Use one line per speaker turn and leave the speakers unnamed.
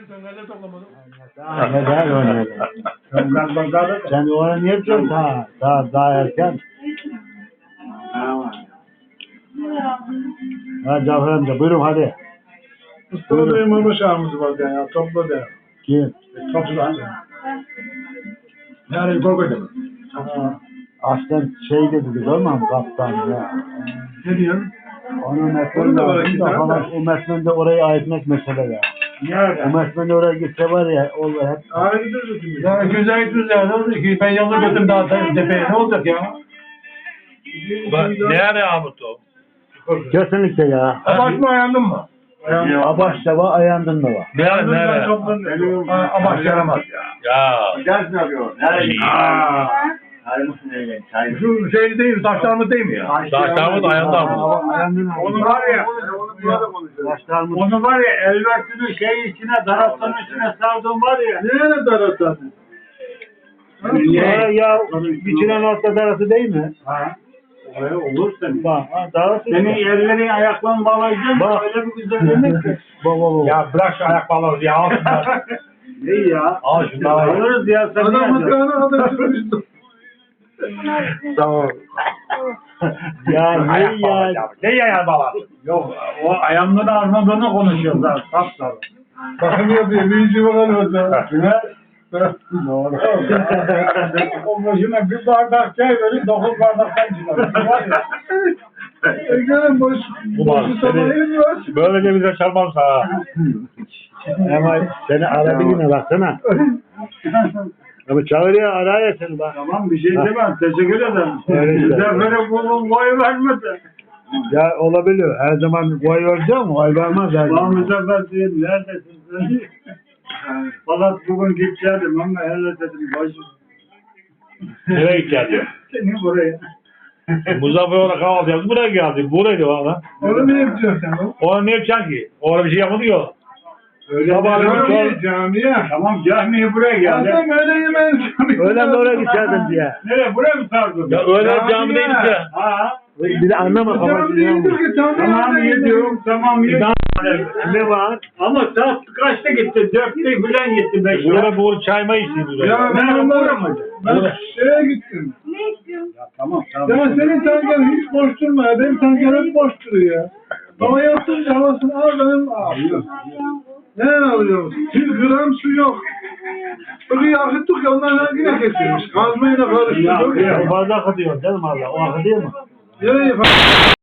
Töngalle toplamadım.
Ne der öyle? Sen ona niye yapacaksın daha erken? Ha Cafer amca buyurun hadi.
Mustafa Bey'in mama şahımız var ya. Topla de.
Kim?
Topla de. Yani korkacağım.
Aslen şey dedi biliyor musun kaptan ya.
Ne diyorsun?
Onun
Onu da var
metninde
iki tane
falan
de.
o metninde orayı ayırtmak mesele ya.
Nerede?
O metninde oraya gitse var ya olur hep.
Ayrıdır şimdi. Ya güzel ne oldu ki? Ben yalnız götüm daha tepeye ne olacak ya?
Nerede Ahmet o?
Kesinlikle ya.
Abaş mı ayandın mı?
Abaş da var ayandın da var.
Nerede?
Abaş yaramaz ya.
Ya.
Ders mi yapıyor? Nerede? Çay mısın öyle? Çay mı?
Şu şey değil mi? Taşlarımız değil mi ya?
Taşlarımız ayağında mı?
Ayandın da.
Onu var ya, onu var ya, elvertini şey içine, darasının içine sardın var ya.
Nereye darasın?
Ya biçilen altta darası değil mi?
Ha. Öyle olur senin.
Bak darası.
Senin ellerin ayakların bağlayacağım.
Bak.
Öyle bir güzellik ki.
Baba.
Ya bırak şu ayak balığı ya. Al şunları.
Ne ya?
Al şunları.
Alırız ya sen
Adam
ne yapacaksın?
mıkranı adam çıkmıştı.
Tamam. Ya ne
Ayak
ya?
balığı ya. Ne ya balığı?
Yok, o ayağımda da armadığını konuşuyoruz ha. Sapsarı.
Bakın yapıyor. Bir işi bakalım orada.
Doğru.
O başına bir bardak çay verin, 9 bardaktan çıkar. Var ya.
Gelin boş.
Ulan
Boşu sabahıyız mı var?
Böylece bize çalmam sana.
Ama seni arabiliğine baksana. Ama çağırıyor araya seni bak.
Tamam bir şey demem. Teşekkür ederim.
Öyle işte.
Zafere bulun boy vermedi.
Ya olabilir. Her zaman koy vereceğim mi? Oy vermez her
Lan
zaman.
Muzaffer diyeyim neredesin sen? Fakat bugün gideceğim ama hele dedim başım.
Nereye gideceğiz?
Seni buraya.
Muzaffer olarak alacağız. Buraya geldik. Buraydı valla.
Onu ne yapacaksın sen?
Ona ne yapacaksın ki? Orada bir şey yapmadı ki o.
Öyle
Camiye, camiye.
Tamam camiye buraya geldi.
Adam öyle yemeğin camiye.
Öyle mi oraya giderdin diye.
Nereye buraya mı sardın?
Ya öyle cami değiliz ya.
Ha.
Bir de anlama
Cami
kafasını
değildir
yanmış.
ki camiye.
Tamam yediyorum tamam yediyorum.
Ne var?
Ama saat kaçta gitti? 4'te falan gitti 5'te.
Burada bu çayma içti burada.
Ya ben
Ben
onlara
uğramadım.
ben şeye gittim.
Tamam
Ya senin tanken hiç boş durma ya. Benim tanken hep boş duruyor ya. Hava yaptınca havasını al benim ağlıyor. Ne alıyorsun? 1 gram su yok. Suyu akıttık ya ondan yine kesilmiş. Kazmayla karıştırdık.
O bardak atıyor değil mi Allah? O akı değil mi?
Nereye